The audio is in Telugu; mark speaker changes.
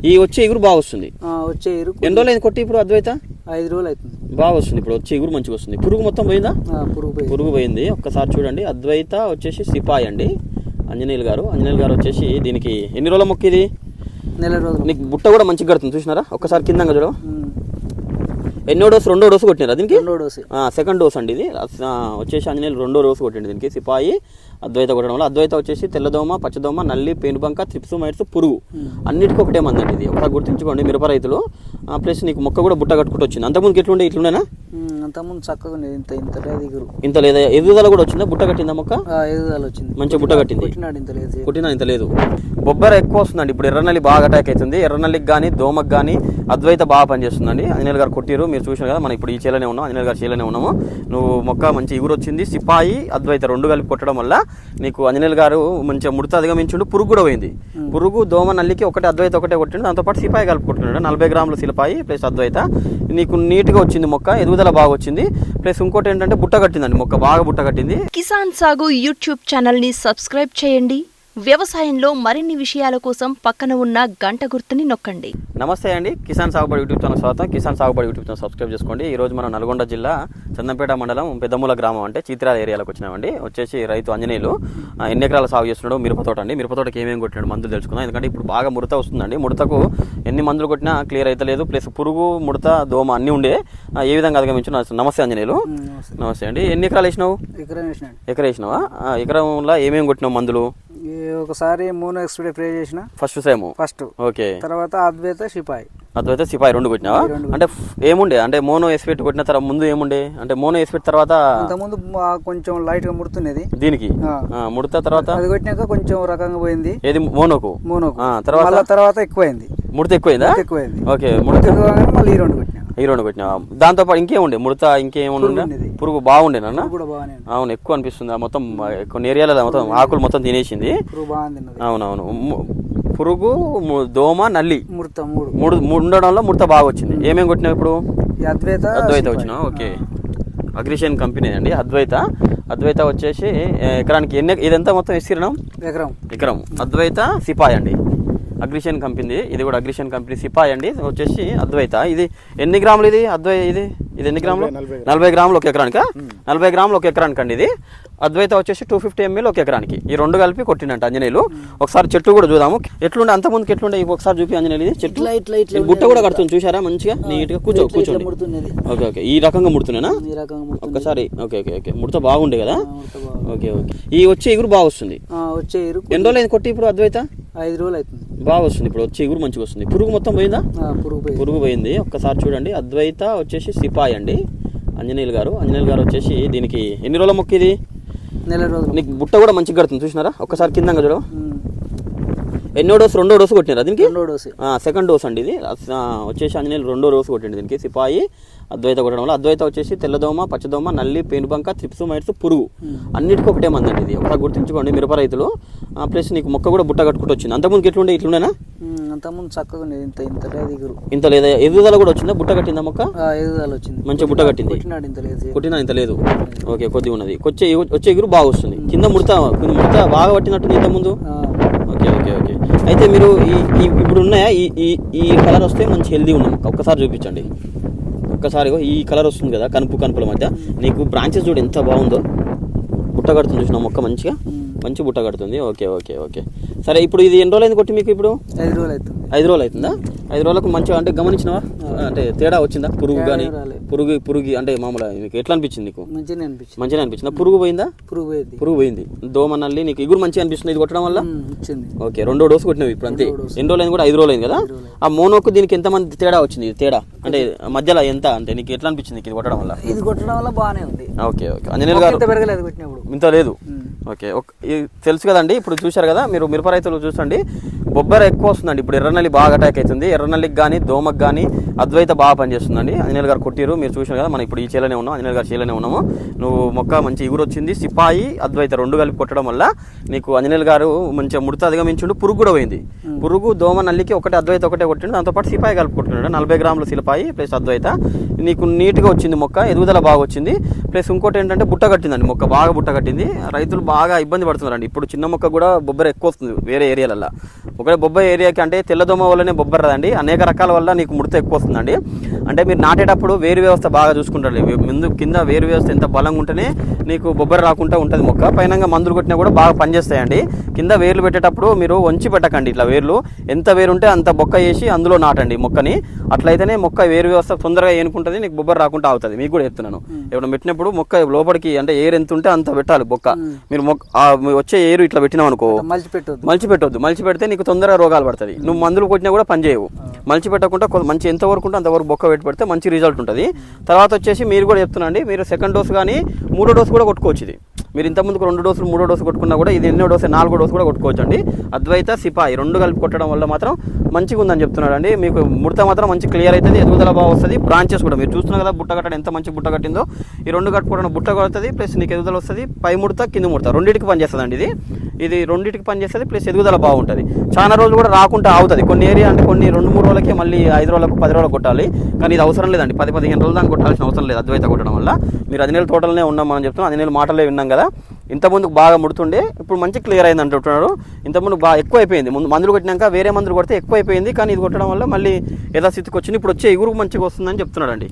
Speaker 1: ఈ వచ్చే ఎగురు బాగా వస్తుంది.
Speaker 2: వచ్చే ఎగురు
Speaker 1: ఎన్ని రోజులు అయింది కొట్టి ఇప్పుడు అద్వైత?
Speaker 2: 5 రోజులు అవుతుంది.
Speaker 1: బాగా వస్తుంది ఇప్పుడు వచ్చే ఎగురు మంచిగా వస్తుంది. పురుగు మొత్తం పోయిందా? పురుగు పోయింది. ఒక్కసారి చూడండి. అద్వైత వచ్చేసి సిపాయి అండి. ఆంజనేయులు గారు వచ్చేసి దీనికి ఎన్ని రోజుల మొక్క ఇది?
Speaker 2: నెల రోజులు.
Speaker 1: నీకు బుట్ట కూడా మంచిగా కడుతుంది చూసినారా? ఒక్కసారి కిందంగా చూడ. ఎన్నో డోసు? 2వ డోసు కొట్టినారా దీనికి?
Speaker 2: 2వ డోసు.
Speaker 1: సెకండ్ డోస్ అండి ఇది. వచ్చేసి ఆంజనేయులు 2వ డోసు కొట్టింది దీనికి. సిపాయి అద్వైత కొట్టడం వల్ల అద్వైత వచ్చేసి తెల్లదోమ, పచ్చదోమ, నల్లి, పేనుబంక, త్రిప్స్, మైట్స్, పురుగు అన్నిటికీ ఒకటే మందండి ఇది. ఒకసారి గుర్తుంచుకోండి మిరప రైతులు. ప్లస్ నీకు మొక్క కూడా బుట్ట కట్టుకుంటూ వచ్చింది. అంతకుముందు ఎట్లుండే? ఇట్లుండేనా?
Speaker 2: అంతకుముందు చక్కగా
Speaker 1: ఇంత లేదా? ఎదుగుదల కూడా వచ్చిందా? బుట్ట కట్టిందా మొక్క?
Speaker 2: ఎదుగుదల వచ్చింది,
Speaker 1: మంచిగా బుట్ట కట్టింది. కొట్టినా ఇంత లేదు. బొబ్బర ఎక్కువ వస్తుందండి ఇప్పుడు. ఎర్రనల్లి బాగా అటాక్ అవుతుంది. ఎర్రనల్లికి కానీ దోమకు కానీ అద్వైత బాగా పనిచేస్తుందండి. ఆంజనేయులు గారు కొట్టిరు, మీరు చూసారు కదా. మనం ఇప్పుడు ఈ చేలనే ఉన్నాం, ఆంజనేయులు గారు చేలనే ఉన్నాము. నువ్వు మొక్క మంచి ఎగురు వచ్చింది. సిపాయి అద్వైత 2 కలిపి కొట్టడం వల్ల నీకు ఆంజనేయులు గారు మంచిగా ముడత అధిగమించుండు. పురుగు కూడా పోయింది. పురుగు, దోమ, నల్లికి ఒకటే అద్వైత ఒకటే కొట్టిండు. దాంతోపాటు సిపాయి కలిపి కొట్టుకున్నాడు. 40 గ్రాములు సిపాయి ప్లస్ అద్వైత. నీకు నీట్గా వచ్చింది మొక్క, ఎదుగుదల బాగా వచ్చింది. ప్లస్ ఇంకోటి ఏంటంటే బుట్ట కట్టిందండి మొక్క, బాగా బుట్ట కట్టింది.
Speaker 3: కిసాన్ సాగు యూట్యూబ్ ఛానల్ ని సబ్స్క్రైబ్ చేయండి. వ్యవసాయంలో మరిన్ని విషయాల కోసం పక్కన ఉన్న గంట గుర్తుని నొక్కండి.
Speaker 1: నమస్తే అండి, కిసాన్ సాగుబడి యూట్యూబ్ ఛానల్ స్వాగతం. కిసాన్ సాగుబడి యూట్యూబ్ ఛానల్ సబ్స్క్రైబ్ చేసుకోండి. ఈ రోజు మనం నల్గొండ జిల్లా చందంపేట మండలం పెద్దమూల గ్రామం అంటే చీత్రాల ఏరియాలోకి వచ్చినామండి. వచ్చేసి రైతు ఆంజనేయులు ఎన్ని ఎకరాల సాగు చేస్తున్నాడు? మిరపతోట అండి. మిరపతోటకి ఏమేమి కొట్టినాడు మందులు తెలుసుకుందాం. ఎందుకంటే ఇప్పుడు బాగా ముడత వస్తుందండి. ముడతకు ఎన్ని మందులు కొట్టినా క్లియర్ అయితే లేదు. ప్లస్ పురుగు, ముడత, దోమ అన్నీ ఉండే. ఏ విధంగా అధిగమించు? నమస్తే ఆంజనేయులు. నమస్తే అండి. ఎన్ని ఎకరాలు వేసినావు? ఎకరం వేసినావా? ఎకరంలో ఏమేమి కొట్టినావు మందులు?
Speaker 2: ఒకసారి మోనో ఎక్స్ప్రే స్ప్రే చేసిన.
Speaker 1: First okay.
Speaker 2: తర్వాత అద్వైత సిపాయి
Speaker 1: 2 కొట్టినావా? అంటే ఏముండే? అంటే మోనో ఎస్పెట్ కొట్టిన తర్వాత ముందు ఏముండే? అంటే మోనో ఎస్పెట్ తర్వాత
Speaker 2: ముందు కొంచెం లైట్ గా ముడుతున్నది దీనికి.
Speaker 1: ముడత తర్వాత
Speaker 2: అది కొట్టినాక కొంచెం రకంగా పోయింది.
Speaker 1: ఏది? మోనోకు.
Speaker 2: తర్వాత ఎక్కువైంది.
Speaker 1: ముడత ఎక్కువైందా? ఓకే. ముడత
Speaker 2: మళ్ళీ ఈ 2
Speaker 1: కొట్టినా. దాంతో పాటు ఇంకేముండే? ముడత ఇంకేముండే? పురుగు బాగుండేనా? అవును, ఎక్కువ అనిపిస్తుంది. మొత్తం కొన్ని ఏరియాలలో మొత్తం ఆకులు మొత్తం తినేసింది. అవునవును. పురుగు, దోమ, నల్లి ఉండడంలో ముడత బాగా వచ్చింది. ఏమేమి కొట్టినావు ఇప్పుడు? అద్వైత వచ్చినా. ఓకే. అగ్రిషన్ కంపెనీ అండి అద్వైత వచ్చేసి ఎకరానికి ఇదంతా మొత్తం ఎస్కిరణం ఎకరం. అద్వైత సిపాయి అండి, అగ్రిషన్ కంపెనీ. ఇది కూడా అగ్రిషన్ కంపెనీ సిపాయి అండి. వచ్చేసి అద్వైత. ఇది ఎన్ని గ్రాములు? ఇది ఇది ఎన్ని గ్రాములు? 40 గ్రాములు ఒక ఎకరానికి. 40 గ్రాములు ఒక ఎకరానికి అండి ఇది. అద్వైత వచ్చేసి 250 ml ఒక ఎకరానికి. ఈ 2 కలిపి కొట్టిండంట ఆంజనేయులు. ఒకసారి చెట్టు కూడా చూద్దాము ఎట్లుండే. అంత ముందుకు ఎట్లుండే ఒకసారి చూపి ఆంజనేయులు. ఇది చెట్టు బుట్ట కూడా కడుతుంది చూసారా? మంచిగా నీట్ గా కూర్చోండి. Okay okay. ఈ రకంగా ముడుతున్నానా? ఒక్కసారి. Okay okay okay. ముడత బాగుండే కదా? Okay okay. ఈ వచ్చే ఎగురు బాగా వస్తుంది. ఎన్ని రోజులు అయింది కొట్టి ఇప్పుడు అద్వైత?
Speaker 2: 5 రోజులు అవుతుంది.
Speaker 1: బాగా వస్తుంది ఇప్పుడు వచ్చే ఎగురు మంచిగా వస్తుంది. పురుగు మొత్తం పోయిందా? పురుగు పోయింది. ఒక్కసారి చూడండి. అద్వైత వచ్చేసి సిపాయి అండి. ఆంజనేయులు గారు వచ్చేసి దీనికి ఎన్ని రోజుల మొక్క ఇది?
Speaker 2: నెల రోజులు.
Speaker 1: నీకు బుట్ట కూడా మంచిగా కడుతుంది చూసినారా? ఒక్కసారి కిందంగా చూడ. ఎన్నో డోసు? 2వ డోసు కొట్టినారా దీనికి? సెకండ్ డోస్ అండి ఇది. వచ్చేసి ఆంజనేయులు 2వ డోసు కొట్టింది దీనికి. సిపాయి అద్వైత కొట్టడం వల్ల అద్వైత వచ్చేసి తెల్లదోమ, పచ్చదోమ, నల్లి, పేనుబంక, త్రిప్స్, మైట్స్, పురుగు అన్నిటికీ ఒకటే మందండి ఇది. ఒకసారి గుర్తుంచుకోండి మిరప రైతులు. ప్లస్ నీకు మొక్క కూడా బుట్ట కట్టుకుంటూ వచ్చింది. అంతకుముందు ఎట్లుండే? ఇట్లుండేనా?
Speaker 2: అంతకుముందు చక్కగా
Speaker 1: ఇంత లేదా? ఎదుగుదల కూడా వచ్చిందా? బుట్ట కట్టిందా మొక్క?
Speaker 2: ఎదుగుదల వచ్చింది,
Speaker 1: మంచిగా బుట్ట కట్టింది. కొట్టినా ఇంత లేదు. ఓకే, కొద్దిగా ఉన్నది. వచ్చే ఎగురు బాగా వస్తుంది. కింద ముడత బాగా పట్టినట్టుంది ఇంత ముందు. Okay okay okay. అయితే మీరు ఇప్పుడు ఉన్నాయా ఈ కలర్ వస్తే మంచి హెల్దీ ఉన్న మొక్క ఒక్కసారి చూపించండి. ఒక్కసారి ఈ కలర్ వస్తుంది కదా కనుపుల మధ్య. నీకు బ్రాంచెస్ చూడు ఎంత బాగుందో. బుట్ట కడుతుంది చూసిన మొక్క మంచి బుట్ట కడుతుంది. Okay okay okay. సరే, ఇప్పుడు ఇది ఎన్ని రోజులు అయింది కొట్టి మీకు? ఇప్పుడు
Speaker 2: 5 రోజులు అవుతుంది.
Speaker 1: 5 రోజులు అవుతుందా? 5 రోజులకు మంచిగా అంటే గమనించినవా? అంటే తేడా వచ్చిందా? పురుగు కానీ పురుగు అంటే మామూలుగా మీకు ఎట్లా అనిపించింది? నీకు మంచిగా అనిపించిందా? పురుగు పోయిందా? పురుగు పోయింది. దోమ, నల్లి నీకు ఎగురు మంచిగా అనిపిస్తుంది ఇది కొట్టడం వల్ల? ఓకే. 2వ డోసు కొట్టినవి ఇప్పుడు అంతే. ఎన్ని రోజులు అయింది కూడా? 5 రోజులు అయింది కదా? ఆ మోనోకు దీనికి ఎంతమంది తేడా వచ్చింది? తేడా అంటే మధ్యలో ఎంత అంటే నీకు ఎట్లా అనిపించింది ఇది కొట్టడం వల్ల?
Speaker 2: ఇది కొట్టడం వల్ల బాగానే ఉంది.
Speaker 1: Okay okay. ఆంజనేయులు గారు ఇంత లేదు. ఓకే. తెలుసు కదండి, ఇప్పుడు చూశారు కదా మీరు. మిరప రైతులు చూసండి, బొబ్బర ఎక్కువ వస్తుందండి ఇప్పుడు. ఎర్రనల్లి బాగా అటాక్ అవుతుంది. ఎర్రనల్లికి కానీ దోమకు కానీ అద్వైత బాగా పనిచేస్తుందండి. ఆంజనేయులు గారు కొట్టిరు, మీరు చూశారు కదా. మనం ఇప్పుడు ఈ చేలనే ఉన్నాం, ఆంజనేయులు గారు చేలనే ఉన్నాము. నువ్వు మొక్క మంచి ఎగురు వచ్చింది. సిపాయి అద్వైత 2 కలిపి కొట్టడం వల్ల నీకు ఆంజనేయులు గారు మంచిగా ముడత అధిగమించుండు. పురుగు కూడా పోయింది. పురుగు, దోమ, నల్లికి ఒకటే అద్వైత ఒకటే కొట్టిండు. దాంతోపాటు సిపాయి కలిపి కొట్టుకున్నాడు. 40 గ్రాములు సిపాయి ప్లస్ అద్వైత. నీకు నీట్గా వచ్చింది మొక్క, ఎదుగుదల బాగా వచ్చింది. ప్లస్ ఇంకోటి ఏంటంటే బుట్ట కట్టిందండి మొక్క, బాగా బుట్ట కట్టింది. రైతులు బాగా ఇబ్బంది పడుతున్నారండి. ఇప్పుడు చిన్న మొక్క కూడా బొబ్బర ఎక్కువ వస్తుంది వేరే ఏరియాలలో. ఒకవేళ బొబ్బర ఏరియాకి అంటే తెల్లదోమ వల్లనే బొబ్బర రాదండి, అనేక రకాల వల్ల నీకు ముడత ఎక్కువ వస్తుందండి. అంటే మీరు నాటేటప్పుడు వేరు వ్యవస్థ బాగా చూసుకుంటారు. ముందు కింద వేరు వ్యవస్థ ఎంత బలంగా ఉంటేనే నీకు బొబ్బర రాకుండా ఉంటుంది మొక్క. పైన మందులు కొట్టినా కూడా బాగా పనిచేస్తాయండి. కింద వేర్లు పెట్టేటప్పుడు మీరు వంచి పెట్టకండి. ఇట్లా వేర్లు ఎంత వేరు ఉంటే అంత బొక్క వేసి అందులో నాటండి మొక్కని. అట్లయితేనే మొక్క వేరు వ్యవస్థ తొందరగా ఏనుకుంటుంది, నీకు బొబ్బర రాకుండా అవుతుంది. మీకు కూడా చెప్తున్నాను, ఎప్పుడు పెట్టినప్పుడు మొక్క లోపలికి అంటే ఎయిర్ ఎంత ఉంటే అంత పెట్టాలి బొక్క. మీరు వచ్చే ఎయిర్ ఇట్లా పెట్టినావు అనుకో, మలిచి పెట్టొద్దు. మలిచి పెడితే నీకు తొందరగా రోగాలు పడుతుంది. నువ్వు మందులు కొట్టినా కూడా పని చేయవు. మలిచి పెట్టకుండా మంచి ఎంతవరకు ఉంటే అంతవరకు బొక్క పెడితే మంచి రిజల్ట్ ఉంటుంది. తర్వాత వచ్చేసి మీరు కూడా చెప్తున్నాండి, మీరు సెకండ్ డోస్ కానీ 3వ డోస్ కూడా కొట్టుకోవచ్చు. ఇది మీరు ఇంతకుముందుకు 2 డోసులు 3వ డోసు కొట్టుకున్నా కూడా ఇది ఎన్నో డోసు 4వ డోసు కూడా కొట్టుకోవచ్చు అండి. అద్వైత సిపాయి 2 కలిపి కొట్టడం వల్ల మాత్రం మంచిగా ఉందని చెప్తున్నాడు అండి. మీకు ముడత మాత్రం మంచి క్లియర్ అవుతుంది, ఎదుగుదల బాగా వస్తుంది. బ్రాంచెస్ కూడా మీరు చూస్తున్నారు కదా, బుట్ట కట్టడం ఎంత మంచి బుట్ట కట్టిందో. ఈ 2 కట్టుకోవడం బుట్ట కడుతుంది, ప్లస్ నీకు ఎదుగుదల వస్తుంది. పై ముడత కింద ముడత రెండింటికి పనిచేస్తుంది అండి. ఇది రెండింటికి పనిచేస్తుంది, ప్లస్ ఎదుగుదల బాగుంటుంది. చాలా రోజులు కూడా రాకుండా ఆగుతుంది. కొన్ని ఏరియా అంటే కొన్ని 2-3 రోజులకే మళ్ళీ 5 రోజులకు 10 రోజులకు కొట్టాలి. కానీ ఇది అవసరం లేదండి, 10-15 రోజులు దాకా కొట్టాల్సిన అవసరం లేదు అద్వైత కొట్టడం వల్ల. మీరు 10 నెలల తోటలనే ఉన్నాం మనం చెప్తున్నాం, 10 నెలల మాటలే విన్నాం కదా. ఇంతకుముందు బాగా ముడుతుండే, ఇప్పుడు మంచి క్లియర్ అయింది అంటున్నారు. ఇంతకుముందు బాగా ఎక్కువ అయిపోయింది, ముందు మందులు కొట్టినాక వేరే మందులు కొడితే ఎక్కువ అయిపోయింది. కానీ ఇది కొట్టడం వల్ల మళ్ళీ యథాస్థితికి వచ్చింది. ఇప్పుడు వచ్చే ఎగురు మంచిగా వస్తుందని చెప్తున్నాడు అండి.